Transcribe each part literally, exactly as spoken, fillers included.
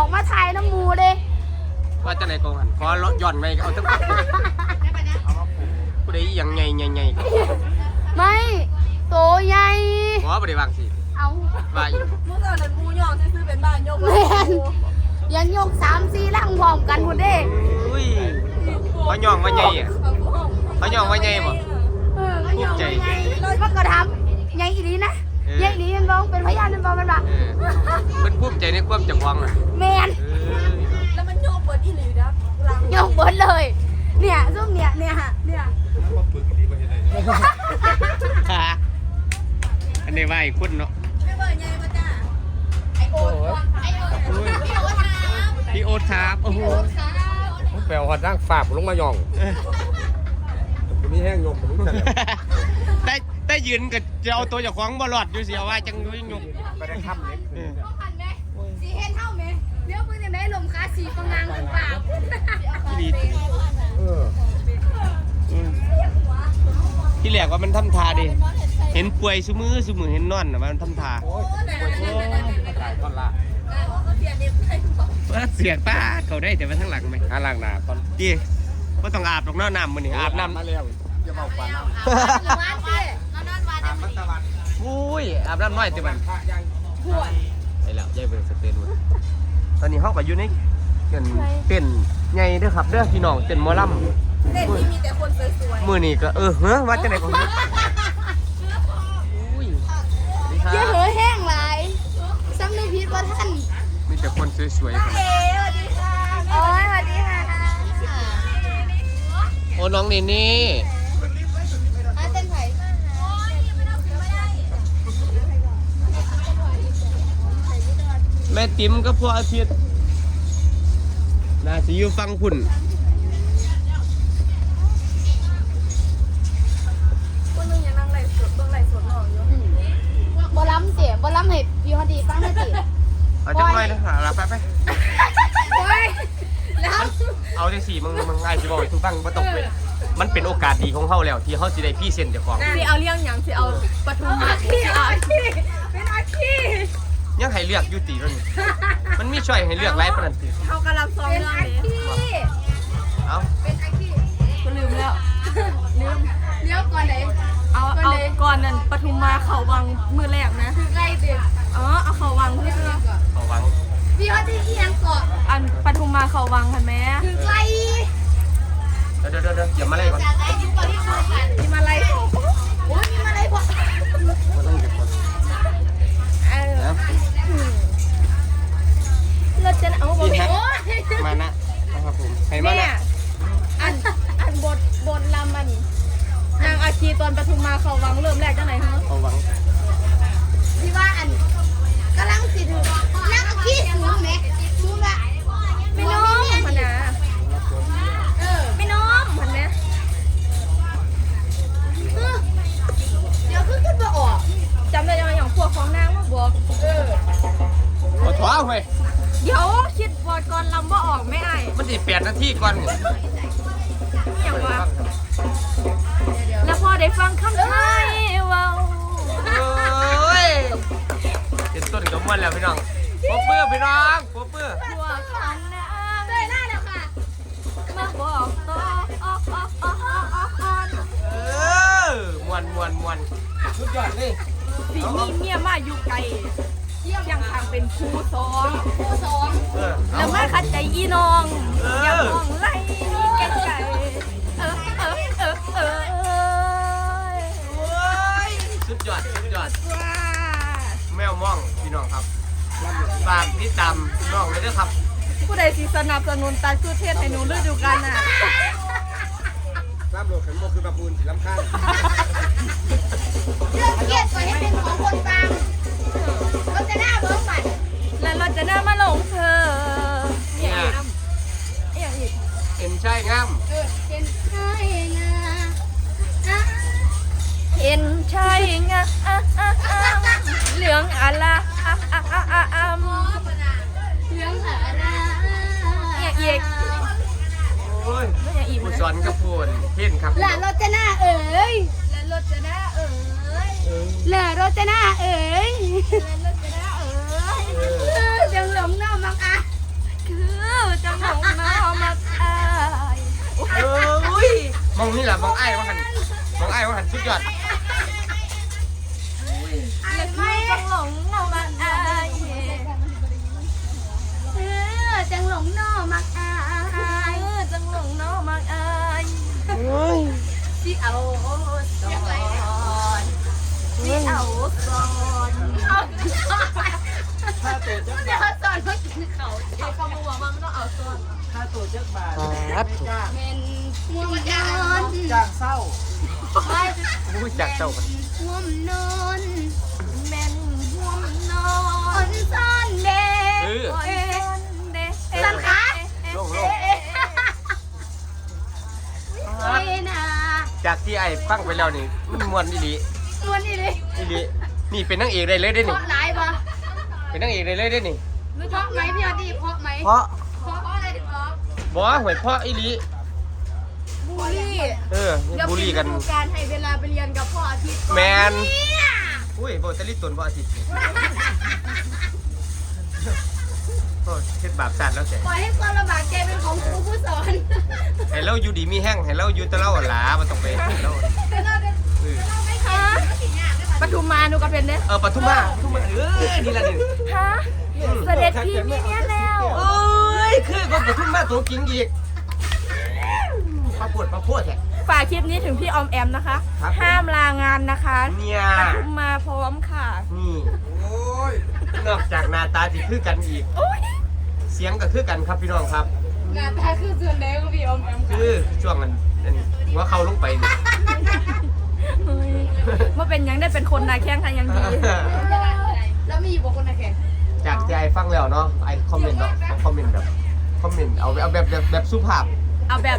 อกมาถ่ายน้ำมูเด้ว่าจะไหนกองหันขอย้อนไปเอาทั้งผู้ใดยังไงไงไงไม่โตใหญ่ขอบริวางสิเอาบายมูเตอร์นั้นมูยองซื้อเป็นบ้านยกแม่นยังยกสามสี่ลังพร้อมกันพุ่นเด้อุ้ยเขาย่องว่าไงอ่ะเขาย่องว่าไงบ่ภูมิใจมันก็ทำใหญ่อีหลีนะใหญ่อีหลีมันบอกเป็นพยานมันบอกมันว่าเป็นภูมิใจในความจักวังอ่ะแมนแล้วมันโยกเปิดอีหลีนะโยกเบิดเลยเนี่ยซุ่มเนี่ยเนี่ยฮะเนี่ยอันนี้ว่าอีกคนเนาะไม่เปิดไงมาจ้าไอโอ๊ตไอโอ๊ตพี่โอ๊ตครับโอ้โหแปลว่าร่างฝาบลงมาย่องผมมีแห้งยกผมรู้จักได้ได้ยืนกับจะเอาตัวจากของบอลอดอยู่เสียว่าจังด้วยยกไปได้ค่ำเลยสีเห็นเท่าไหมเลี้ยวปืนยังไงลมคาสีกำลังถึงปากที่ดีที่แหลกว่ามันทำทาดิเห็นป่วยซุมือซุมือเห็นนอนมันทำทาว่าเสียป้าเขาได้แต่ว่าทั้งหลังไหมหาล่างหนาตอนดีก็ต้องอาบตรงหน้าน้ำมันนี่อาบน้ำมาแล้วจะเบาปานน้ำอุ้ยอาบน้ำน้อยแต่มันไปแล้วยายเบิร์สเตนตอนนี้เขาก็อยู่ในเต้นเต้นใหญ่เด้อครับเด้อพี่น้องเต้นมอลำเต้นที่มีแต่คนสวยๆมือนี่ก็เออเฮ้ยว่าจะไหนของเยอะเหอแห้งหลายซ้ำนึกผิดว่าท่านมีแต่คนสวยๆครับเอ๋สวัสดีค่ะโอ้ยสวัสดีค่ะโอ้น้องนี่นี่เต้นไผ่แม่ติ๋มก็พวกอาทิตย์น่าจะอยู่ฟังพุ่นคนนึงยังนั่งไหลสดเบื้องไหลสดหน่อยอยู่บอลล้ำเสียบอลล้ำเห็ดพี่ฮอดีฟังหน่อยสิเอาจังเลยนะหาละไปไปแล้วเอาได้สี่มึงมึงง่ายสิบอกทุกตั้งมาตกเลยมันเป็นโอกาสดีของเขาแล้วที่เขาสิได้พี่เซ็นเจ้าของสิเอาเรื่องอย่างสิเอาปทุมมาสิเอาที่เป็นอาชีพยังให้เลือกยุติแล้วนี่มันมีช่วยให้เลือกไล่ปนันติเขากำลังซ้อมเรื่องนี้เอาเป็นอาชีพก็ลืมแล้วลืมเลี้ยวก่อนไหนเอาเอาก่อนนั่นปทุมมาเขาวังมือแรกนะคือไล่เด็กอ๋อเอาเขาวังเพื่อเขาวังพี่ฮอดีเอียงเกาะอันปทุมมาเขาวังเห็นไหมคือไล่เดี๋ยวเดี๋ยวเดี๋ยวอย่ามาไล่ก่อนมีมาไล่โอ้ยมีมาไล่พอมาต้องเก็บก่อนเราจะเอาบทมานะนะครับผมใครมานะอันอันบทบทลำมันนางอาคีตอนปทุมมาเขาวังเริ่มแรกจังไหนฮะเขาวังที่ว่าอันกำลังสิถึงนั่งขี้สูงไหมสูงละไม่น้องพันนะเออไม่น้องพันนะเดี๋ยวขึ้นขึ้นมาออกจำได้ยังอย่างพวกของนางมาบอกเออขอถอยไปเดี๋ยวคิดบทก่อนลำว่าออกไม่ไอ้มันสิแปดนาทีก่อนอย่างว่าแล้วพอได้ฟังคำไทยว้าวเฮ้ยเป็นต้นกระมวลแล้วพี่น้องป๊อปเปอร์พี่น้องป๊อปเปอร์พวกของนางเลยล่าแล้วค่ะมาบอกต่อเออมวนมวนมวนสุดยอดเลยสีมีเมียมาอยู่ไกลยังทางเป็นครูสอนครูสอนแล้วมาขัดใจอีน้องอย่ามองไล่มีแก่ใจเออเออเออเออสุดยอดสุดยอดแมวม่องพี่น้องครับฝากติดตามน้องเลยด้วยครับผู้ใดสิสนับสนุนตัดคือเทศให้หนูฤดูกาลน่ะน้ำโหลดขันโมคือปลาปูนสีล้ำข้างเรื่องเครียดไว้ให้เป็นของคนฟังเราจะหน้าเบิ้งบัดแล้วเราจะหน้ามาลงเธอเนี่ยอย่างอีกเห็นใช่งามเห็นใช่งาเห็นใช่งาเหลืองอะไรเหลืองอะไรอย่างอีกโอ้ยผู้สอนกระพูนเห็นครับและรจนาเอ๋ยรจนาเอ๋ยเลอรจนาเอ๋ยรจนาเอ๋ยยังหลงน้ำมังอ่ะล่ะมองไอ้ว่าหันมองไอ้ว่าหันสุดยอดไอ้และไม่พี่ต้องหลงเอามาอายเออจังหลงนอมักอายเออจังหลงเนาะมักอายสิเอาสอนสิเอาสอนค่าตัวจักเดี๋ยวบาทสอนมากินเขาเขาคำว่ามันต้องเอาส่วนค่าตัวจักบาทครับไม่จ้างเป็นห่วงนอนจ้างเศร้าอุ้ยจากเจ้ากันห่วงนอนแม่นห่วงนออ่อน นซ่อนเด็กเอออ่อนเด้สันคะโล่งเอ๊ะโอ้ยนะๆจากที่ไอ้ฟังไปแล้วนี่มันมวนอีหลีมวนนี่เลยอีหลีนี่เป็นนางเอกได้เลยได้เพนี่ราะหลายปะเป็นนางเอกได้เลยได้นี่เพราะไหมพี่อดีเพราะไหมเพราะเพราะอะไรถึงเพราะบอกว่าหวยเพราะอีหลีบูลลี่เออบุรีกันเดี๋ยวเป็นฤดูการให้เวลาไปเรียนกับพ่ออาทิตย์ก่อแมนเนี่ยอุ้ยโบตะลิตนเพราะอาทิตย์นี่โอ้เฮ็ดบาปสัตว์แล้วแสปล่อยให้ความลำบากแกเป็นของครูผู้สอนให้เราอยู่ดีมีแห้งให้เราอยู่แตะเล่าหลามันต้องไปให้เราเออฮะปทุมมาหนูก็เป็นเด้เออปทุมมาปทุมมาเออนี่ละนี่ฮะเสด็จพี่มีเนี่ยแล้วเอ้ยคือคนปทุมมาตัวจริงอีกมาปวดมาพูดแท้ฝากคลิปนี้ถึงพี่ออมแอมนะคะครับห้ามลางานนะคะเนี่ยปทุมมาพร้อมค่ะนี่โอ้ยนอกจากหน้าตาที่คือกันอีกโอ้ยเสียงก็คือกันครับพี่น้องครับงานตาคือส่วนไหนของพี่อมแอมคือช่วงนั้นนั้นหัวเขาลงไปนี่เฮ้ยว่าเป็นยังได้เป็นคนนาแข้งค่ะยังดีแล้วมีอยู่บนคนไหนแข่งจากที่ไอ้ฟังแล้วเนาะไอ้คอมเมนต์เนาะเขาคอมเมนต์แบบคอมเมนต์เอาเอาแบบแบบแบบสุภาพเอาแบบ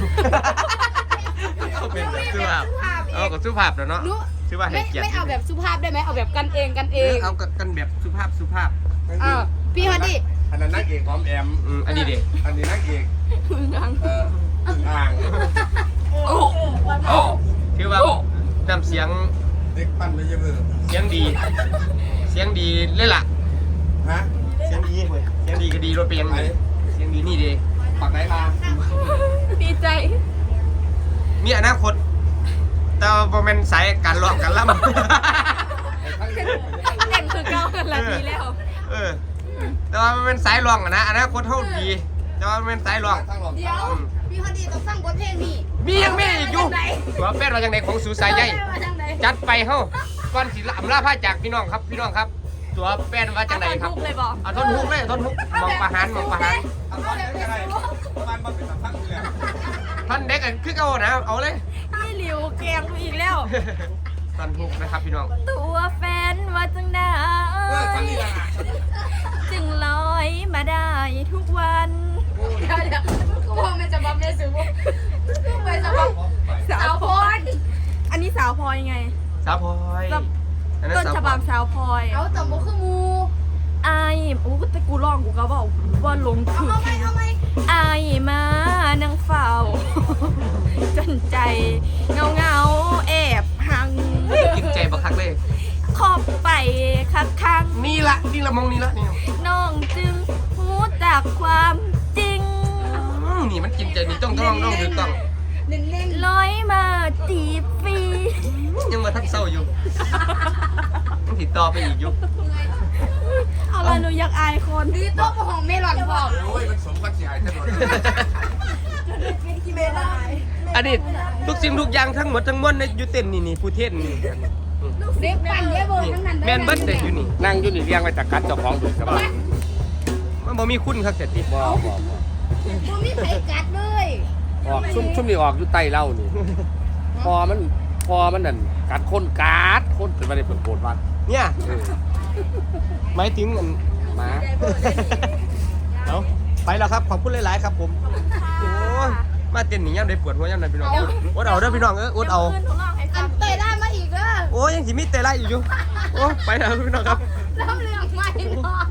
คอมเมนต์แบบสุภาพเอากับสุภาพแล้วเนาะนุชื่อว่าให้ไม่เกียรติไม่เอาแบบสุภาพได้ไหมเอาแบบกันเองกันเอเออง เอากันแบบสุภาพสุภาพอ่าพี่ฮอดดี้อันนั้นนักเอกพร้อมแอมอืมอันนี้เด็กอันนี้นักเอกยังเอ่ออึ่งอ่างคือว่าน้ำเสียงเด็กปั้นไม่ใช่เบอร์เสียงดี เสียงดีเลยล่ะฮะเสียงดีเว้ยเสียงดีก็ดีรถเปียงเลยเสียงดีนี่ดีปักไหนทางดีใจมีอนาคตแต่ว่าบ่แม่นสายการร้องการล่ำเด่นคือเก้ากันละดีแล้วเออ แต่ว่ามันเป็นสายร้องอะนะอนาคตเท่าดี แต่ว่ามันเป็นสายร้องทางหลอกเดี๋ยวพี่ฮอดดี้ต้องฟังบทเพลงนี้มียังมีอีกอยู่ตัวแฟนเราจังไดของสูสายใหญ่ว่าจังใดจัดไปเฮ้าก่อนสิลำลาผ้าจากพี่น้องครับพี่น้องครับ ตัวแฟนว่าจังไดครับเอาท่อนฮุกเลยบอกเอาท่อนฮุกเลยเอาท่อนฮุกมองประหารมองประหารอันนั้นยังไงบ้านบ้านเป็นสัมพันธ์เลยท่อนเด็กกันคือเอานะเอาเลยพี่หลิวแกงกูอีกแล้วท่อนฮุกนะครับพี่น้องตัวแฟนว่าจังได้เออฟังนี่ละจึงลอยมาได้ทุกวันเดี๋ยวเดี๋ยวกูว่ามันจะบับในสูงไปจะบับสาวพลอยอันนี้สาวพลอยไงสาวพลอยอันนั้นต้นสาวฉพลบัอบ ยสาวพลอยเอาต่อมบ่คือมูไอ้โอ้แต่กูร้องกูก็บอกว่าลงถึงเอาไหมเอาไหมไอ้มานั่งเฝ้า จนใจเงาเงาๆแอบหังกินใจบักคักเลยขอบไปคักคังนี่ละนี่ละมองนี่ละนี่น้องจึงรู้จากความจริงอืมนี่มันกินใจนี่ต้องต้องต้องถูกต้องเน้นเน้นลอยมาตีฟรียังมาทักเศร้าอยู่ต้องติดต่อไปอีกอยู่เอาละหนูอยากอายคนดีโต๊ะของเมลอนพร้อมโอ้ยมันสมกับเสียหายถนนเมลอนอันนี้ทุกสิ่งทุกอย่างทั้งหมดทั้งมวลในยูเต้นนี่นี่ผู้เทศนี่เด็กปั่นเยอะเบอร์นี่ทั้งนั้นแมนเบิร์ดเด็กอยู่นี่นั่งอยู่นี่เรียงไว้จากกัดเจ้าของดูสบายมันบ่มีคุณครับเสร็จที่บ่บ่บ่กูมีไผกัดเลยออกชุ่มชุ่มนี่ออกอยู่ใต้เล่านี่พอมันพอมันนั่นกัดคนกัดคนเป็นไม่ได้เปิดโกรธวัดเนี่ยเออหมายถึงอันหมาเอาไปแล้วครับขอบคุณหลายๆครับผมโอ้ยมาเต้นหนีย่ำได้ปวดหัวย่ำได้พี่น้องอดเอาเด้อพี่น้องเอออดเอาขึ้นหนูร้องให้อัฟันงเตยได้มาอีกเด้อโอ้ยยังสิมีเตะไล่อยู่อยู่โอ้ไปแล้วพี่น้องครับเริ่มเรื่องใหม่เนาะ